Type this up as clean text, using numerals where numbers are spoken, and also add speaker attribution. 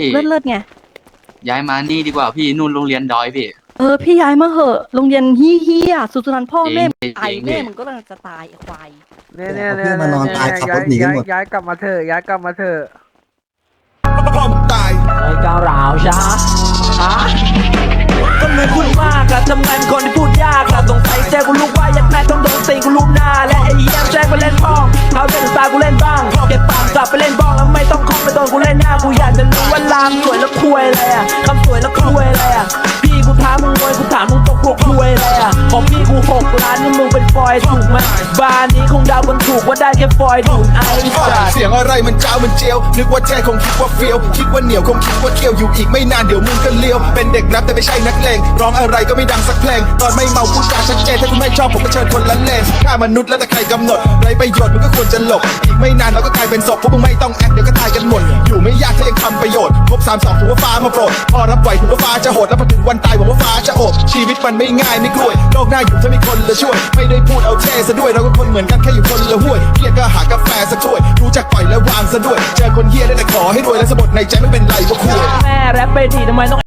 Speaker 1: เลิศไง
Speaker 2: ย้ายมานี่ดีกว่าพี่นู่นโรงเรียนดอยพี่
Speaker 1: พี่ย้ายมาเหอะโรงเรียนเฮี้ยสุดนั้นพ่อแม่ตายแม่มึงก็จะตายไอ้ควาย
Speaker 3: เนี่ยเพื่อนมานอนตายขับรถหนีกันหมด
Speaker 4: ย้ายกลับมาเถอะย้ายกลับมาเถอะ
Speaker 3: พ่อมึงตาย
Speaker 5: ไอ้ก้าวร้าวช้าก็เหมือนพูดมากอะทำไมเป็นคนที่พูดยากอะสงสัยแจ้กูลูกว่ายัดแม่ต้องโดนตีกูลูกหน้าและไอ้เยี่ยมแจ้งไปเล่นบ้องเขาเล่นตากูเล่นบ้างเก็บปากกลับไปเล่นบ้องแล้วไม่ต้องคล้องไปโดนกูเล่นหน้ากูอยากจะรู้ว่าลามสวยแล้วคุยอะไรอะคำสวยแล้วคุยอะไรอะพี่กูถามมึงรวยกูถามมึงตกพวกคุยอะไรอะของพี่กู6 ล้านนี่มึงเป็นฟอยถูกไหมบ้านนี้คงเดากันถูกว่าได้แค่ฟอยดูดไอ้สัส
Speaker 3: เสียงอะไรมันเจ้ามันเจียวนึกว่าแท้คงคิดว่าเฟี้ยวคิดว่าเหนียวคงคิดว่าเคี้ยวอยู่อีกไม่นานเดี๋ยวมึงก็เลี้ยวเป็นเด็กแรปแต่ไม่ใช่นักเลงร้องอะไรก็ไม่ดังสักเพลงตอนไม่เมาพูดจาชัดเจนถ้าคุณไม่ชอบผมก็เชิญคนละเลนถ้ามนุษย์แล้วแต่ใครกำหนดไรประโยชน์มึงก็ควรจะหลบอีกไม่นานเราก็กลายเป็นศพพวกมึงไม่ต้องแอคเดี๋ยวก็ตายกันหมดอยู่ไม่ยากถ้ายังทำประโยชน์ครบ32ถือว่าฟ้ามาโปรดพอรับไหวถือว่าฟ้าจะโหดแล้วพอถึงวันตายหวังว่าฟ้าจะโอบชีวิตมันไม่ง่ายไม่กล้วยโลกหน้าอยู่ถ้ามีคนละช่วยไม่ได้พูดเอาเท่ซะด้วยเราก็คนเหมือนกันแค่อยู่คนละห้วยเครียดก็หากาแฟสักถ้วยรู้จักปล่อยและวางซะด้วยเจอคนเฮี้ยได้แต่ขอให้รวยและสะบัดในใจไม่เป็นไรว่าคุย
Speaker 5: แม่แรปไปทีทำไมต้อง